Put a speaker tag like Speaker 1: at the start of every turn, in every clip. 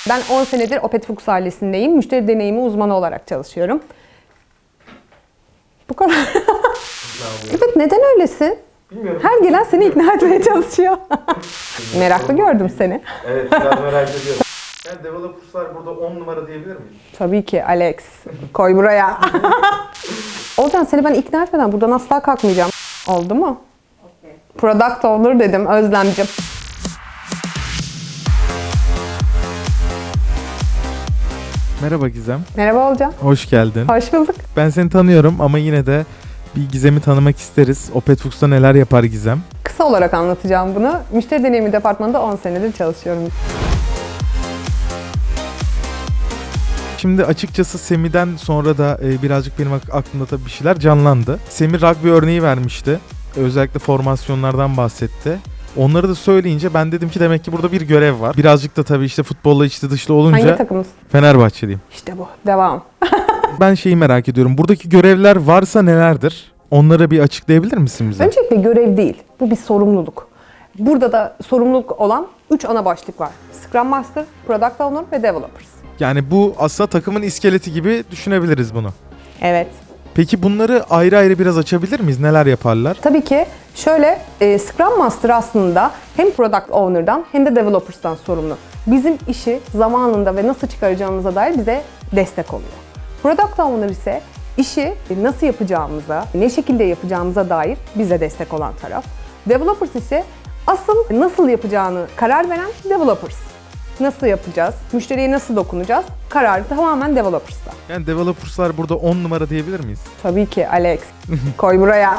Speaker 1: Ben 10 senedir Opet Fuchs ailesindeyim. Müşteri deneyimi uzmanı olarak çalışıyorum. Bu kadar. Evet, neden öylesin?
Speaker 2: Bilmiyorum.
Speaker 1: Her gelen seni ikna etmeye çalışıyor. Meraklı gördüm seni.
Speaker 2: Evet, biraz merak ediyorum. Yani developers'lar burada 10 numara diyebilir miyiz?
Speaker 1: Tabii ki Alex. Koy buraya. Olcan, seni ben ikna etmeden buradan asla kalkmayacağım. Oldu mu? Okay. Product owner dedim Özlemcim.
Speaker 3: Merhaba Gizem.
Speaker 1: Merhaba Olcan.
Speaker 3: Hoş geldin.
Speaker 1: Hoş bulduk.
Speaker 3: Ben seni tanıyorum ama yine de bir Gizem'i tanımak isteriz. Opet Fuchs'ta neler yapar Gizem?
Speaker 1: Kısa olarak anlatacağım bunu. Müşteri deneyimi departmanında 10 senedir çalışıyorum.
Speaker 3: Şimdi açıkçası Semi'den sonra da birazcık benim aklımda tabii bir şeyler canlandı. Semi rugby örneği vermişti. Özellikle formasyonlardan bahsetti. Onları da söyleyince ben dedim ki demek ki burada bir görev var. Birazcık da tabii işte futbolla içli dışlı olunca
Speaker 1: Hangi takımız?
Speaker 3: Fenerbahçeliyim.
Speaker 1: İşte bu. Devam.
Speaker 3: Ben şeyi merak ediyorum. Buradaki görevler varsa nelerdir? Onları bir açıklayabilir misin bize?
Speaker 1: Öncelikle görev değil. Bu bir sorumluluk. Burada da sorumluluk olan 3 ana başlık var. Scrum Master, Product Owner ve Developers.
Speaker 3: Yani bu aslında takımın iskeleti gibi düşünebiliriz bunu.
Speaker 1: Evet.
Speaker 3: Peki bunları ayrı ayrı biraz açabilir miyiz? Neler yaparlar?
Speaker 1: Tabii ki şöyle, Scrum Master aslında hem Product Owner'dan hem de Developers'tan sorumlu. Bizim işi zamanında ve nasıl çıkaracağımıza dair bize destek oluyor. Product Owner ise işi nasıl yapacağımıza, ne şekilde yapacağımıza dair bize destek olan taraf. Developers ise asıl nasıl yapacağını karar veren Developers. Nasıl yapacağız, müşteriye nasıl dokunacağız, kararı tamamen Developers'ta.
Speaker 3: Yani developers'lar burada 10 numara diyebilir miyiz?
Speaker 1: Tabii ki Alex. Koy buraya.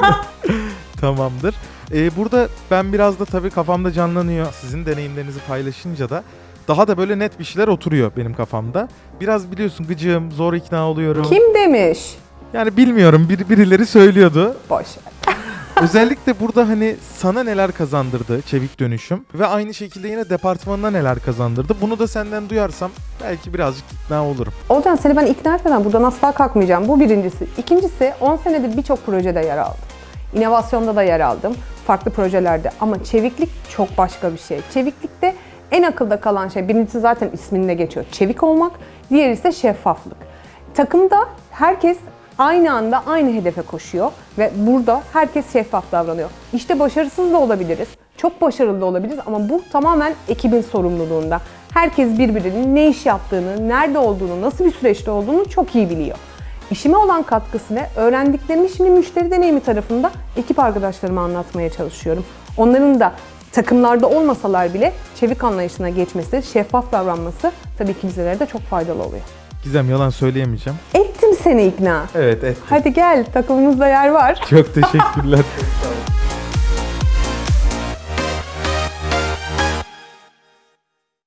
Speaker 3: Tamamdır. Burada ben biraz da tabii kafamda canlanıyor. Sizin deneyimlerinizi paylaşınca da daha da böyle net bir şeyler oturuyor benim kafamda. Biraz biliyorsun gıcığım, zor ikna oluyorum.
Speaker 1: Kim demiş?
Speaker 3: Yani bilmiyorum, birileri söylüyordu.
Speaker 1: Boş ver.
Speaker 3: Özellikle burada hani sana neler kazandırdı çevik dönüşüm ve aynı şekilde yine departmanına neler kazandırdı. Bunu da senden duyarsam belki birazcık ikna olurum.
Speaker 1: Olcan, seni ben ikna etmeden buradan asla kalkmayacağım. Bu birincisi. İkincisi, 10 senedir birçok projede yer aldım. İnovasyonda da yer aldım. Farklı projelerde. Ama çeviklik çok başka bir şey. Çeviklikte en akılda kalan şey, birincisi zaten isminde geçiyor. Çevik olmak. Diğeri ise şeffaflık. Takımda herkes aynı anda aynı hedefe koşuyor ve burada herkes şeffaf davranıyor. İşte başarısız da olabiliriz, çok başarılı da olabiliriz ama bu tamamen ekibin sorumluluğunda. Herkes birbirinin ne iş yaptığını, nerede olduğunu, nasıl bir süreçte olduğunu çok iyi biliyor. İşime olan katkısı ne? Öğrendiklerimi şimdi müşteri deneyimi tarafında ekip arkadaşlarıma anlatmaya çalışıyorum. Onların da takımlarda olmasalar bile çevik anlayışına geçmesi, şeffaf davranması tabii ki bizlere de çok faydalı oluyor.
Speaker 3: Gizem, yalan söyleyemeyeceğim.
Speaker 1: Ettim seni ikna.
Speaker 3: Evet, ettim.
Speaker 1: Hadi gel, takımımızda yer var.
Speaker 3: Çok teşekkürler.